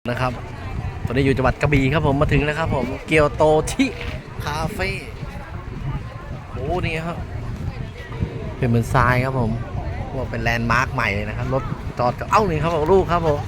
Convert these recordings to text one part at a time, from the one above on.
นะครับตอนนี้อยู่จังหวัดกระบี่ครับผมมาถึงแล้วครับผมเกียวโตชิคาเฟ่โอ้นี่ครับเป็นเหมือนทรายครับผมว่าเป็นแลนด์มาร์คใหม่เลยนะครับรถจอดกับเอ้านี่ครับผมลูกครับผม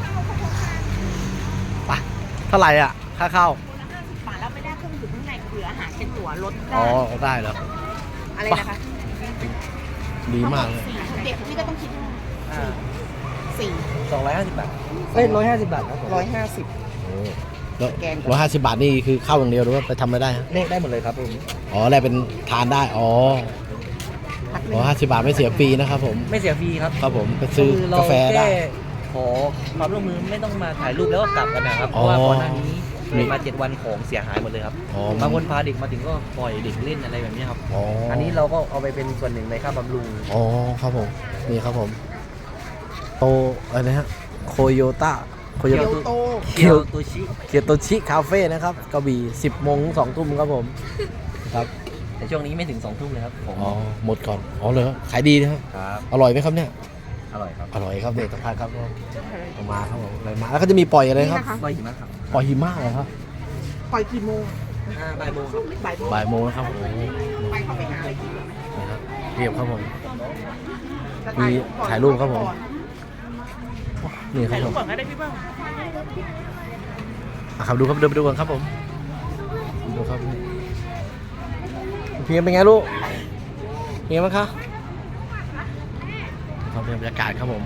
ไปเท่าไหร่อ่ะค่าเข้าฝาแล้วไม่ได้เครื่องดื่มข้างในเหลืออาหารเป็นตั๋วรถได้อ๋อได้เหรออะไรนะคะดีมากเลยเด็กพี่ก็ต้องคิดสี่ 250 บาท 150 บาทครับผม 150 150 บาทนี่คือเข้าอย่างเดียวหรือว่าไปทำอะไรได้ฮะเลขได้หมดเลยครับผมอ๋อแลกเป็นทานได้อ๋อ50 บาทไม่เสียฟรีนะครับผมไม่เสียฟรีครับครับผมไปซื้อกาแฟได้ขอความร่วมมือไม่ต้องมาถ่ายรูปแล้วก็กลับกันนะครับเพราะว่าก่อนหน้านี้มีมา7 วันของเสียหายหมดเลยครับบางคนพาเด็กมาถึงก็ปล่อยเด็กเล่นอะไรแบบนี้ครับอันนี้เราก็เอาไปเป็นส่วนหนึ่งในค่าบำรุงอ๋อครับผมนี่ครับผมโตอะไรนะฮะโคโยต้าเกียวโตเกียวโตชิคาเฟ่นะครับกระบี่10 โมง 2 ทุ่มครับผมครับแต่ช่วงนี้ไม่ถึง2 ทุ่มเลยครับผมอ๋อหมดก่อนอ๋อเลยขายดีนะครับอร่อยไหมครับเนี่ยอร่อยครับอร่อยครับเด็กสัมภาษณ์ครับมาครับผมอะไรมาแล้วก็จะมีปล่อยอะไรครับปล่อยหิมะครับปล่อยหิมะเหรอครับปล่อยกี่โมงบ่ายโมงครับบ่ายโมงนะครับโอ้ไปเข้าไปหาอะไรกินนะครับเรียบครับผมมีถ่ายรูปครับผมนี่ครับผมก่อนก็ได้พี่เปิ้ลครับดูครับเดินไปดูกันครับผมดูครับเพียงเป็นไงลูกเพียงมั้งคะครับเป็นบรรยากาศครับผม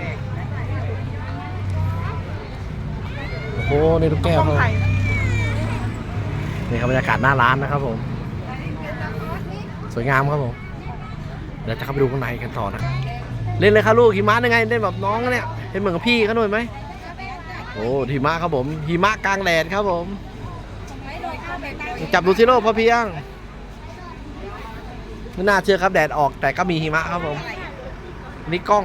โอ้โหนี่ลูกแก้วครับนี่ครับบรรยากาศหน้าร้านนะครับผมสวยงามครับผมเดี๋ยวจะเข้าไปดูข้างในกันต่อนะเล่นเลยครับลูกหิมะยังไงเล่นแบบน้องเนี่ยเห็นเหมือนกับพี่เขาหน่อยไหมโอ้หิมะครับผมหิมะกลางแดดครับผมจับดูซิโร่พอเพียงไม่น่าเชื่อครับแดดออกแต่ก็มีหิมะครับผมนี่กล้อง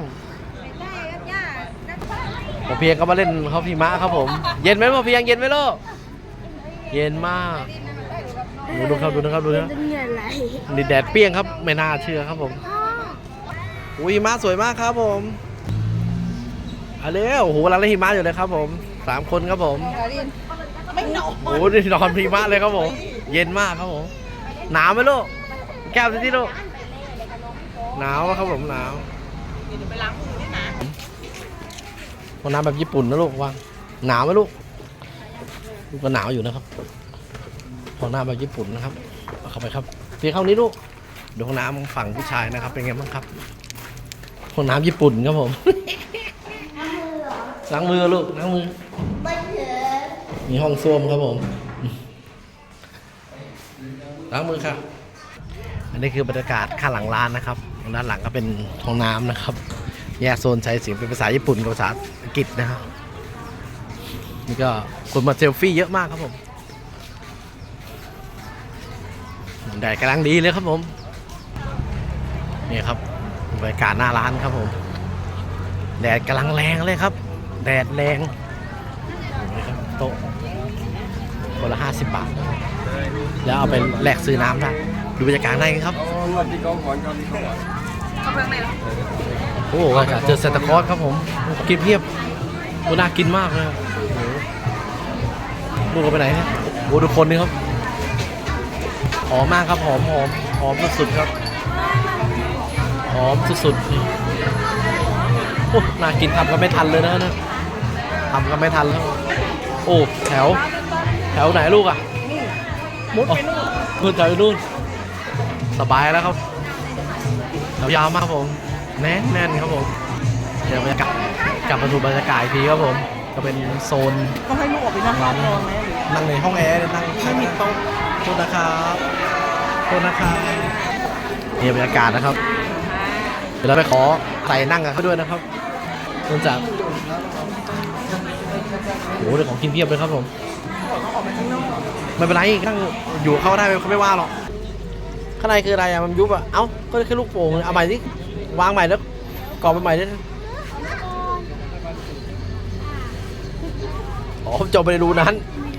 พอเพียงก็มาเล่นเขาหิมะครับผมเย็นไหมพอเพียงเย็นไหมลูกเย็นมากดูครับดูนะครับดูนะนี่แดดเปรี้ยงครับไม่น่าเชื่อครับผมอุ้ยหิมะสวยมากครับผมอะไรโอ้โหกำลังเล่นหิมะอยู่เลยครับผม3 คนครับผมโอ้โหนี่นอนหิมะเลยครับผมเย็นมากครับผมหนาวไหมลูกแก้วที่ลูกหนาวครับผมหนาวไปล้างมือด้วยนะห้องน้ำแบบญี่ปุ่นนะลูกว่างหนาวไหมลูกก็หนาวอยู่นะครับห้องน้ำแบบญี่ปุ่นนะครับเข้าไปครับพี่เข้านี้ลูกดูห้องน้ำฝั่งผู้ชายนะครับเป็นไงบ้างครับห้องน้ำญี่ปุ่นครับผมล้างมือลูกล้างมือมีห้องส้วมครับผมล้างมือครับอันนี้คือบรรยากาศข้างหลังร้านนะครับด้านหลังก็เป็นห้องน้ำนะครับแยกโซนใช้เสียงเป็นภาษาญี่ปุ่นกับภาษาอังกฤษนะครับนี่ก็คนมาเซลฟี่เยอะมากครับผมแดดกำลังดีเลยครับผมนี่ครับบรรยากาศหน้าร้านครับผมแดดกำลังแรงเลยครับแดดแรงโต๊ะคนละ50 บาทแล้วเอาไปแลกซื้อน้ำได้ดูบรรยากาศได้ครับโอ้โหเจอเซนตาคลอสครับผมกินเพียบโอ้น่ากินมากเลยลูกเอาไปไหนเนี่ยโอ้ดูคนนี่ครับหอมมากครับหอมสุดๆครับหอมสุดๆโอ้น่ากินทำก็ไม่ทันเลยนะทำก็ไม่ทันแล้วโอ้แถวไหนลูกอ่ะมุดไปนู่นแถวนู่นสบายแล้วครับแถวยาวมากครับผมแน่นครับผมเดี๋ยวบรรยากาศกลับมาดูบรรยากาศอีกทีครับผมก็เป็นโซนก็ให้ลูกออกไปนั่งร้านนั่งในห้องแอร์นั่งไม่มีโต๊ะโทษนะครับนี่บรรยากาศนะครับเดี๋ยวเราไปขอใส่นั่งกันเขาด้วยนะครับเนื่องจากโอ้โหเรื่องของกินเพียบเลยครับผมไม่เป็นไรนั่งอยู่เข้าได้เขาไม่ว่าหรอกข้างในคืออะไรอะมันยุบอะเอ้าก็แค่ลูกโป่งเอาใหม่สิวางใหม่แล้วกรอบไปใหม่ได้อ๋อจบไปดูนั้น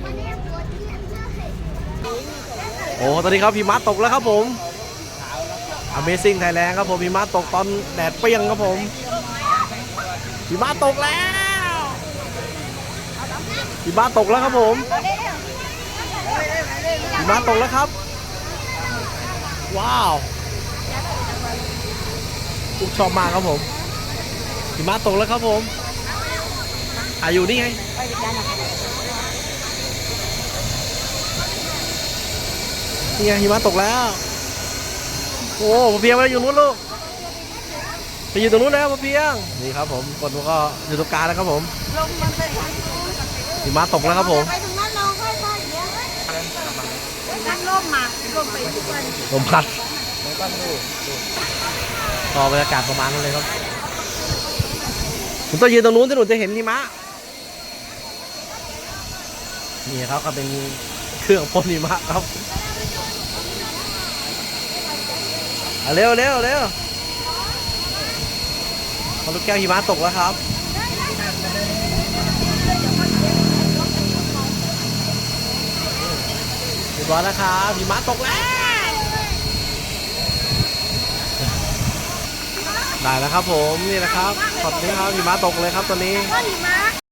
โอ้ตอนนี้ครับหิมะตกแล้วครับผม Amazing Thailand ครับผมหิมะตกตอนแดดเปรี้ยงครับผมหิมะตกแล้วหิมะตกแล้วครับผมหิมะตกแล้วครับ ว้าวลูกชอบมากครับผมหิมะตกแล้วครับผมอยู่นี่ไงนี่ไงหิมะตกแล้วโอ้พ่อเพียงมาอยู่นู้นลูกไปอยู่ตรงนู้นแล้วพ่อเพียงนี่ครับผมคนก็อยู่ตรงกลางแล้วครับผมลงมันไปทางหิมะตกแล้วครับผมไปตรงนั้นลงค่อยๆอย่างเงี้ยนั่งร่มมาร่มไปทุกวันลมพัดมันก็ดูก็บรรยากาศประมาณนั้นเลยครับผมต้องยืนตรงนู้นจะหนูจะเห็นหิมะนี่ครับก็เป็นเครื่องพ่นหิมะครับเร็วเร็วเร็วพอลูกแก้วหิมะตกแล้วครับเรียบร้อยแล้วครับหิมะตกแล้วได้แล้วครับผมนี่นะครับขอบคุณครับหิมะตกเลยครับตอนนี้ก้อนหิมะ